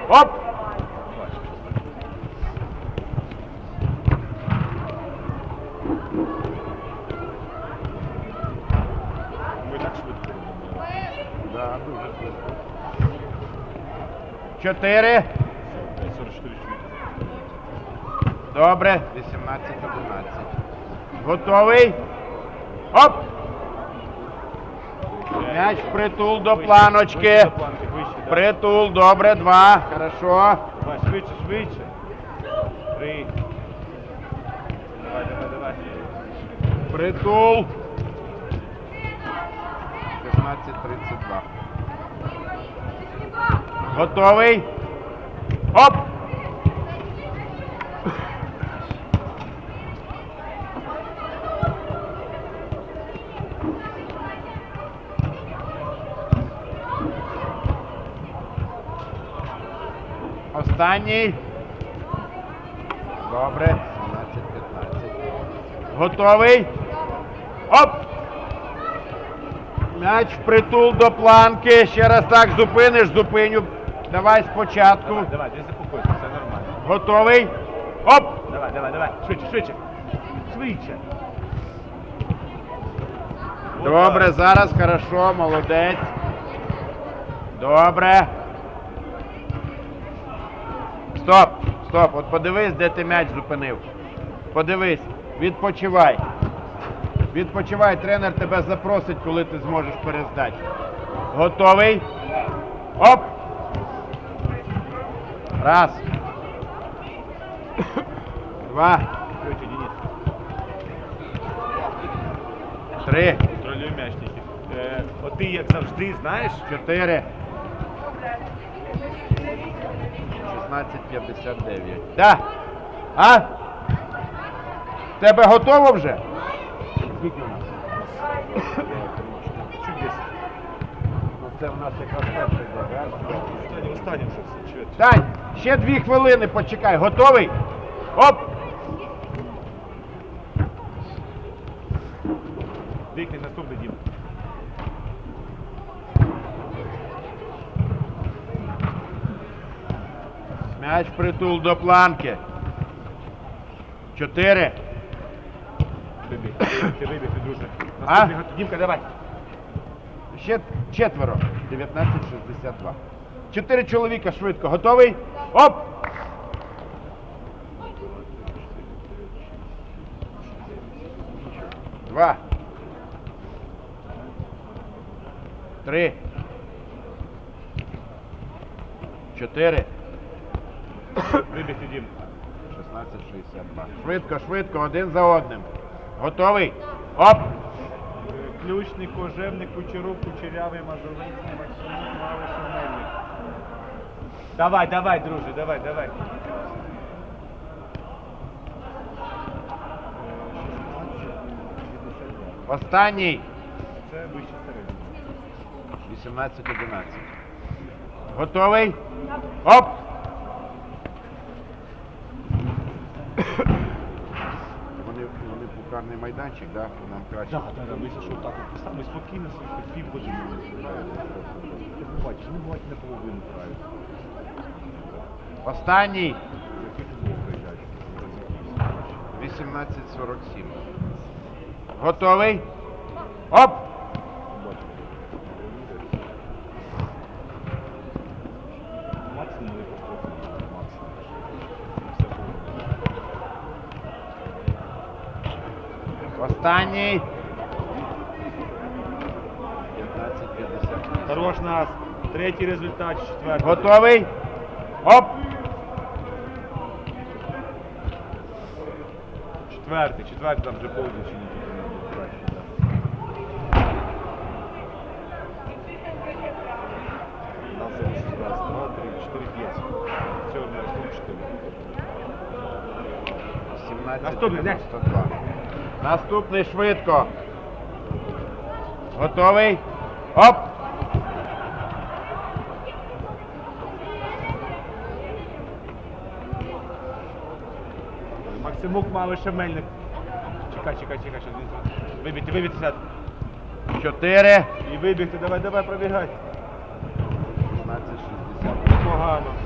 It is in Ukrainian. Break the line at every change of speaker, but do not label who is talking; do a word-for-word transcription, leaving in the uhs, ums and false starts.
Оп!
Ми так швидко.
Да, дуже швидко. Чотири.
сорок чотири чоловіка.
Добре. вісімнадцять одинадцять. Готовий? Оп! М'яч впритул до планочки.
Вище до планки, вище, да.
Притул, добре, два. Хорошо.
Давай, швидше, швидше. Три. Давай, давай, давай.
Притул. шістнадцять тридцять два. Готовий? Оп! Останній. Добре. сімнадцять п'ятнадцять. Готовий? Оп! М'яч впритул до планки. Ще раз так зупиниш, зупиню. Давай спочатку.
Давай, давай, не заспокойся, все нормально.
Готовий? Оп!
Давай, давай, давай. Швидше, швидше. Швидше.
Добре, зараз хорошо, молодець. Добре. Стоп, стоп, от подивись, де ти м'яч зупинив. Подивись, відпочивай. Відпочивай, тренер тебе запросить, коли ти зможеш перездати. Готовий? Оп! Раз. Два.
Швидше, Денис.
Три.
Контролюй м'яч тільки. Е, от ти, як завжди, знаєш,
Чотири. шістнадцять п'ятдесят дев'ять. Да. А? Тебе готово вже? Скільки у нас?
чуть десь.
Ну це в нас якраз перший йде. Раз, два.
Останнє, останнє вже все. Чуть.
Тань, ще дві хвилини почекай. Готовий? Оп!
Дикний наступний, Дім.
М'яч притул до планки. Чотири.
Вибіг. Ти вибіг, ти друже.
А?
Наступний, готов. Дімка, давай.
Ще четверо. дев'ятнадцять шістдесят два. Чотири чоловіка швидко. Готовий? Оп! Два. Три. Чотири.
Вибіг, ти, Дім.
шістнадцять шістдесят два. Швидко, швидко, один за одним. Готовий? Оп!
Ключник, Кожевник, Кучеров, Кучерявий, Мазовинський, Максимов, Малиш, Мельник. Давай, давай, друже, давай, давай.
Останній.
Це вище середньо.
вісімнадцять одинадцять. Готовий? Оп! Вони, вони пукарний майданчик, да? Нам краще.
Так, так, так, ми що так, ми спокійно, пів години. Ти не бачиш, не бачиш на половину грають.
Останній.
Який футбол приїжджають?
вісімнадцять сорок сім. Готовий? Оп!
Максимум не пошкодили, максимум. Все
Останній. п'ятнадцять п'ятдесят.
Хорош нас. Третій результат, четвертий.
Готовий? Оп!
Четвертий, четвертий там вже повністю не тільки краще. У нас залишилось раз, два, три, чотири, п'ять. Все, у нас тут чотири.
сімнадцять
Наступний,
дев'яносто два. Наступний швидко. Готовий? Оп!
Максимук, Малиша, Мельник. Чекай, чекай, чекай, що він. Вибігти, вибігти, сяд.
Чотири.
І вибігти, давай, давай, пробігай.
шістнадцять шістдесят.
Погано.